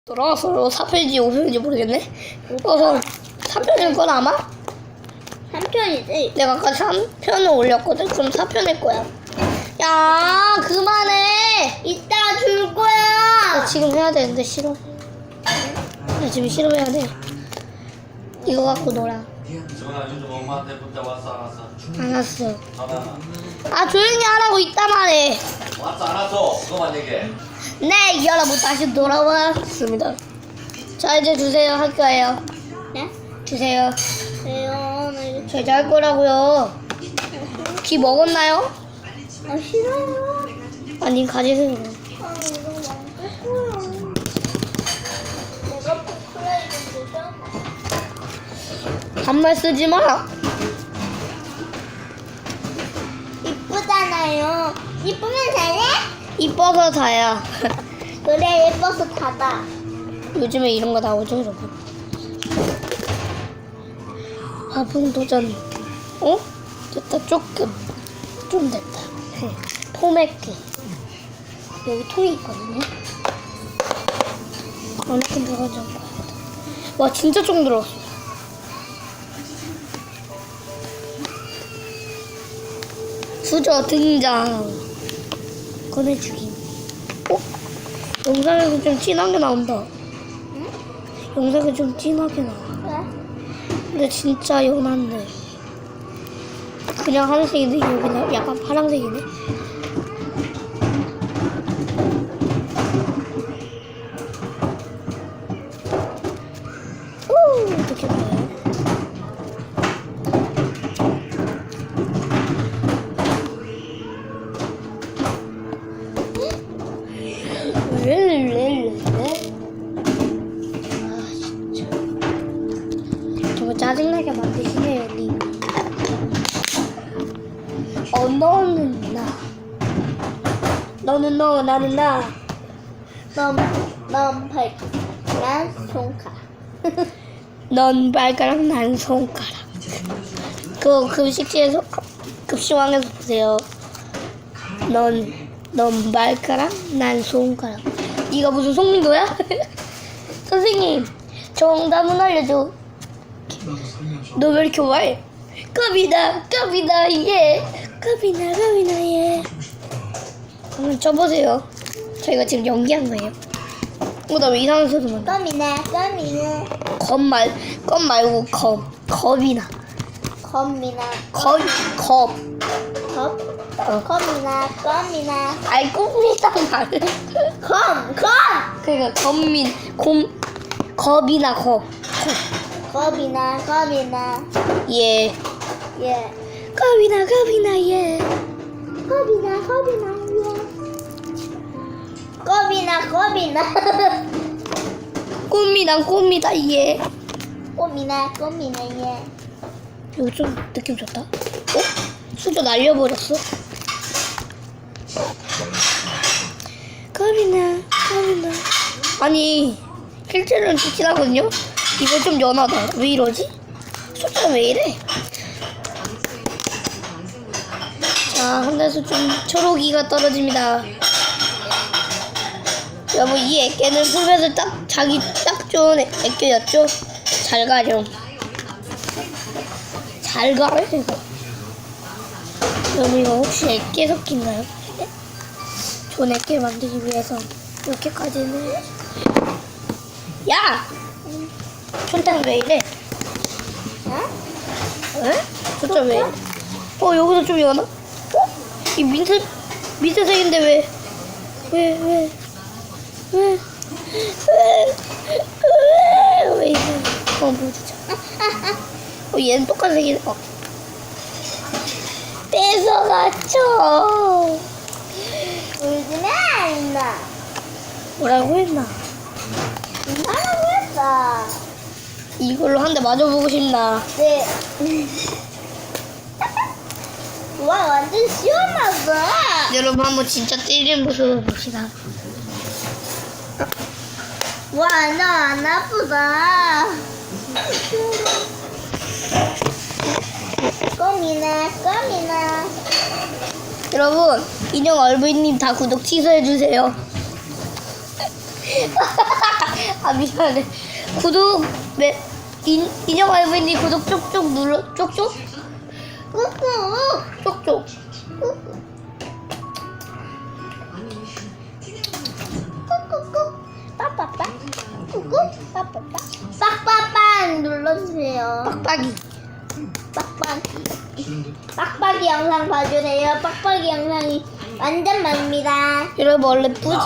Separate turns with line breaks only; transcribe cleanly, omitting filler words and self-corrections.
돌아왔어요. 4편인지 5편인지 모르겠네. 4편일 건 아마?
3편이지.
내가 아까 3편을 올렸거든. 그럼 4편일 거야. 야, 그만해.
이따 줄
나
거야.
지금 해야 되는데 싫어. 나 지금 싫어해야 돼. 이거 갖고 놀아.
지원아 요즘 엄마한테 문자 왔어 안 왔어?
안 왔어.
전화
아, 조용히 하라고 이따 말해.
왔어 안 왔어? 그거만 얘기해.
네, 여러분 다시 돌아왔습니다. 자, 이제 주세요. 할 거예요.
네?
주세요.
왜요? 나 이거
제가 할 거라고요. 귀 먹었나요?
아 싫어요.
아니, 가지세요.
아 이거 망했어요. 내가 포크레이드 죠
반말 쓰지 마.
이쁘잖아요. 이쁘면 잘해?
이뻐서 다야.
그래 예뻐서 다다.
요즘에 이런 거 나오죠, 여러분. 화풍 도전. 어? 됐다. 조금. 좀 됐다. 포맥기. 여기 통이 있거든요. 어느큼 들어가지 않고 해야겠다. 와, 진짜 좀 들어왔어. 수저 등장. 꺼내주기. 어? 영상에서 좀 진하게 나온다.
응?
영상에 좀 진하게 나와.
왜?
근데 진짜 연한데. 그냥 하늘색인데 이거 그냥 약간 파란색이네. 오, 어떻게 봐요? 아, 진짜. 정말 짜증나게 만드시네요, 님. 너는 나. 너는 너, 나는 나.
넌 발, 난 손가.
넌 발가락, 난 손가락. 그거 급식실에서, 급식왕에서 보세요. 넌 발가락, 난 손가락. 네가 무슨 송민도야? 선생님, 정답은 알려줘. 너 왜 이렇게 와해? 컵이다, 예. 컵이나, 예. 한번 쳐보세요. 저희가 지금 연기한 거예요. 나 왜 이상한 소리만 나?
껌이네.
겁 말고 겁이나.
껌이나.
겁.
컵?
어.
껌이나.
아이, 꿈이다 말.
껌.
그러니까 겁이나 겁.
껌이나.
예.
예.
겁이나 예.
껌이나.
꿈이다 예.
껌이나, 예.
이거 좀 느낌 좋다. 어? 수저 날려버렸어. 겁이나. 아니, 실제로는 좋긴 하거든요. 이거 좀 연하다. 왜 이러지? 수저가 왜 이래? 자, 하늘에서 좀 초록이가 떨어집니다. 여러분, 이 애깨는 풀에서 자기 딱 좋은 애깨였죠? 잘 가렴. 잘 가요, 이거. 여러분, 이거 혹시 애깨 섞인가요? 네? 좋은 애깨 만들기 위해서 이렇게까지는. 야! 손탕 왜 이래? 에? 진짜 왜 이래? 여기서 좀 연하? 이 민트색인데 왜 이래? 보여주자. 얘는 똑같은 색이네. 뺏어갔죠.
울지마, 임마.
뭐라고 했나?
뭐라고 했어?
이걸로 한 대 맞아보고 싶나?
네. 와, 완전 시원하다.
여러분, 한번 진짜 때리는 모습을 봅시다.
와, 나 안 아프다. 껌이나.
여러분, 인형 얼굴님 다 구독 취소해주세요. 아, 아 미안해. 구독 인형 할머니 구독 쪽쪽 눌러 쪽쪽
꾹꾹.
쪽쪽.
꾹꾹꾹. 빠빠빠. 꾹꾹. 빠빠빠. 빡빡빡 눌러주세요.
빡빡이.
빡빡이. 빡빡이 영상 봐주세요. 빡빡이 영상이 완전 많습니다.
여러분 원래 뿌지